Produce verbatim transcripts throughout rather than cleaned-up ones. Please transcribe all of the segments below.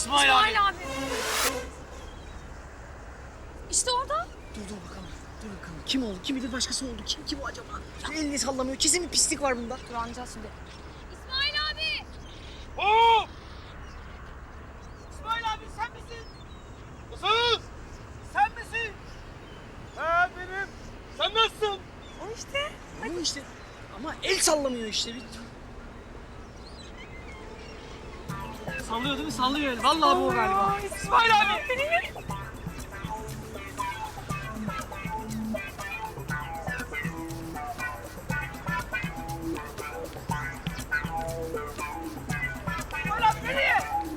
İsmail, İsmail abi. abi. İşte orada. Dur dur bakalım. Dur bakalım. Kim oldu? Kim bilir başkası oldu. Kim ki bu acaba? Ya elini sallamıyor. Kesin bir pislik var bunda. Dur anlayacağız şimdi. İsmail abi. Oo! İsmail abi sen misin? Nasıl? Sen misin? Ha benim. Sen nasılsın? O işte. Bu işte. Ama el sallamıyor işte. Bir... Sallıyor değil mi? Sallıyor el. Vallahi bu o galiba. İsmail abi. İsmail abi nereye?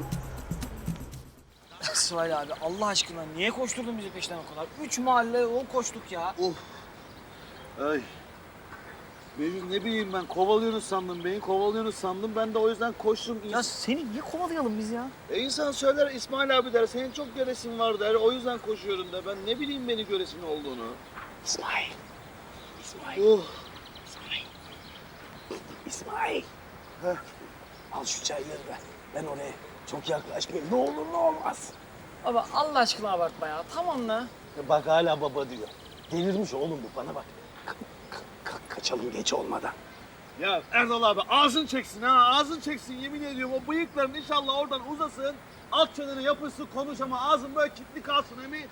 İsmail abi Allah aşkına niye koşturdun bizi peşten o kadar? Üç mahalle yol koştuk ya. Of. Ay. Mecnun ne bileyim ben kovalıyorsunuz sandım. Beni kovalıyorsunuz sandım. Ben de o yüzden koştum. Ya seni niye kovalayalım biz ya? E insan söyler İsmail abi der. Senin çok göresin var der. O yüzden koşuyorum der. Ben ne bileyim beni göresin olduğunu. İsmail. İsmail. Oh. İsmail. İsmail. Heh. Al şu çayları ver. Ben oraya çok yaklaşmayayım. Ne olur ne olmaz. Baba Allah aşkına abartma ya. Tamam la. Bak hala baba diyor. Delirmiş oğlum bu, bana bak. Ka- ka- ka- kaçalım geç olmadan. Ya Erdal abi ağzın çeksin ha. Ağzın çeksin yemin ediyorum. O bıyıkların inşallah oradan uzasın. Alt çeneni yapışsın konuş ama ağzın böyle kilitli kalsın emin.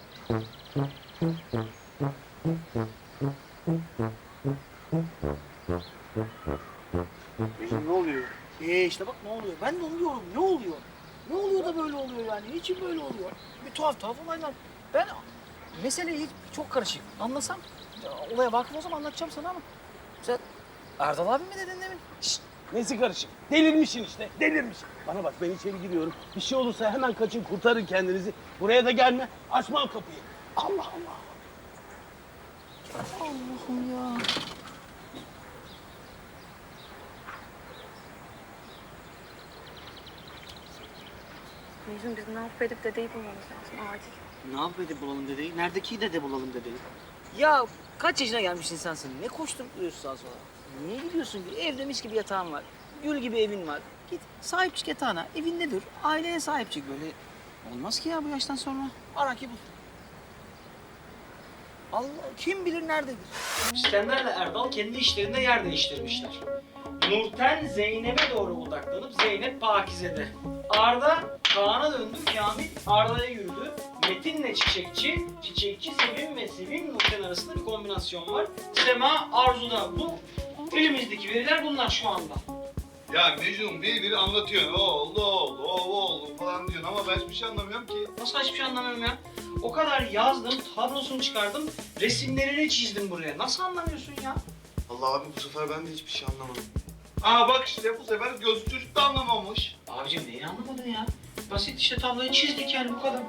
Ne oluyor? Ee işte bak ne oluyor. Ben de onu diyorum. Ne oluyor? Ne oluyor da böyle oluyor yani? Niçin böyle oluyor? Bir tuhaf tuhaf olaylar. Ben mesele hiç çok karışık. Anlasam ya, olaya vakıf olsam anlatacağım sana ama sen Erdal abi mi dedin demin? Şşt, nesi karışık? Delirmişsin işte, delirmiş. Bana bak, ben içeri giriyorum. Bir şey olursa hemen kaçın, kurtarın kendinizi. Buraya da gelme, açmam kapıyı. Allah Allah. Allah'ım ya. Mecnun biz ne yapıp edip dedeyi bulmamız lazım acil. Ne yapıp bulalım dedeyi? Neredeki dede bulalım dedeyi? Ya kaç yaşına gelmiş insansın? Ne koşturup duruyorsun sağa sola? Niye gidiyorsun ki? Evde mis gibi yatağın var. Gül gibi evin var. Git sahip çık yatağına. Evinde dur. Aileye sahip çık böyle. Olmaz ki ya bu yaştan sonra. Ara ki bul. Allah kim bilir nerededir? İskender'le Erdal kendi işlerinde yer değiştirmişler. Nurten Zeynep'e doğru odaklanıp Zeynep Pakize'de. Arda Kaan'a döndü, Kamil Arda'ya yürüdü. Metin'le Çiçekçi, Çiçekçi Sevim ve Sevim Nurten arasında bir kombinasyon var. Sema Arzu'da. Bu elimizdeki veriler bunlar şu anda. Ya Mecnun bir bir anlatıyorsun. O oldu, o oldu, o oldu falan diyorsun ama ben hiçbir şey anlamıyorum ki. Nasıl hiçbir şey anlamıyorum ya? O kadar yazdım, tablosunu çıkardım, resimlerini çizdim buraya. Nasıl anlamıyorsun ya? Allah abi bu sefer ben de hiçbir şey anlamadım. Aa bak işte bu sefer gözlü çocuk da anlamamış. Abicim neyi anlamadın ya? Basit işte tabloyu çizdik yani bu kadar.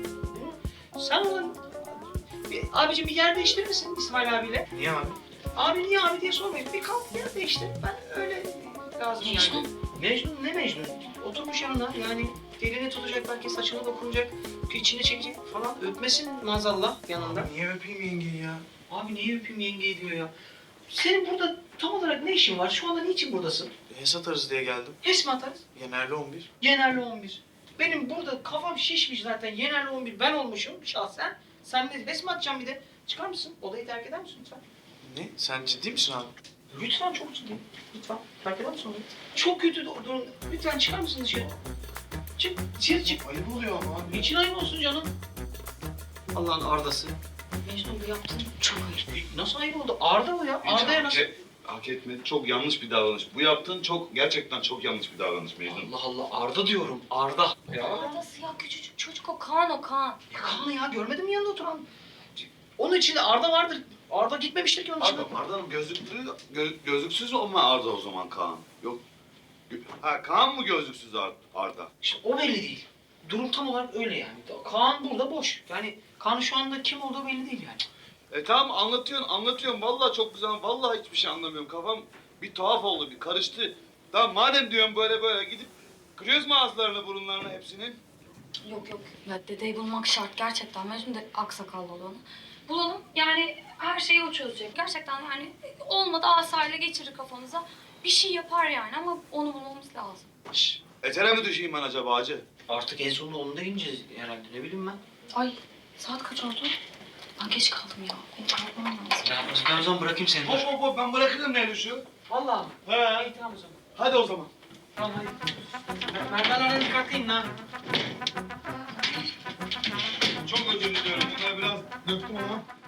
Hı? Sen onun... Bir, abicim bir yer değiştirir misin İsmail abiyle? Niye abi? Abi niye abi diye sormayın. Bir kalk yer değiştir. Ben öyle lazım yani. Mecnun ne Mecnun? Oturmuş yanına yani elini tutacak belki saçına dokunacak, içine çekecek falan. Öpmesin maazallah yanında. Niye öpeyim yengeyi ya? Abi niye öpeyim yengeyi diyor ya. Senin burada tam olarak ne işin var? Şu anda niçin buradasın? HES atarız diye geldim. HES mi atarız? Yenerli on bir. Yenerli on bir. Benim burada kafam şişmiş zaten. Yenerli on bir ben olmuşum şahsen. Sen de HES mi atacaksın bir de? Çıkar mısın? Odayı terk eder misin lütfen? Ne? Sen ciddi misin abi? Lütfen çok ciddi. Lütfen. Terk eder misin odayı? Çok kötü dur- durum. Lütfen çıkar mısın dışarı? Çık. Dışarı çık. Ayıp oluyor ama abi. Niçin ayıp olsun canım? Allah'ın Arda'sı. Mecnun bu yaptığın çok ayıp. Nasıl ayıp oldu? Arda o ya. Arda'ya nasıl? Hak etmedi. Çok yanlış bir davranış. Bu yaptığın çok gerçekten çok yanlış bir davranış Mecnun. Allah Allah. Arda diyorum. Arda. Ya. Arda'sı ya küçücük çocuk o Kaan o Kaan. Ne kanlı ya? Görmedin mi yanında oturan? Onun içinde Arda vardır. Arda gitmemiştir ki onun içinde. Abi Arda'nın gözlüklü, gö, gözlüksüz olma Arda o zaman Kaan. Yok. Gö- Ha Kaan mı gözlüksüz Ar- Arda? İşte o belli değil. Durum tam olarak öyle yani. Kaan burada boş. Yani Kaan'ın şu anda kim olduğu belli değil yani. E tamam anlatıyorsun, anlatıyorsun. Vallahi çok güzel. Vallahi hiçbir şey anlamıyorum. Kafam bir tuhaf oldu, bir karıştı. Tamam madem diyorum böyle böyle gidip kırıyoruz mu ağızlarını, burunlarını hepsinin? Yok yok ya dedeyi bulmak şart gerçekten. Mecnun de aksakallı olanı. Bulalım yani her şeyi o çözecek. Gerçekten yani olmadı asayla geçirir kafanıza. Bir şey yapar yani ama onu bulmamız lazım. Şş, Etere mi düşeyim ben acaba hacı? Artık en sonunda onu da ineceğiz herhalde, ne bileyim ben. Ay saat kaç oldu? Ben geç kaldım ya. Benim kalkmam lazım. Ya ben o zaman bırakayım seni. Hop hop hop ben bırakırım ne düşüyor? Vallahi mi? He. İyi tamam o zaman. Hadi o zaman. Tamam hadi. Merdivenlerden dikkatli in ha. Çok özür diliyorum. Bunları biraz döktüm ama.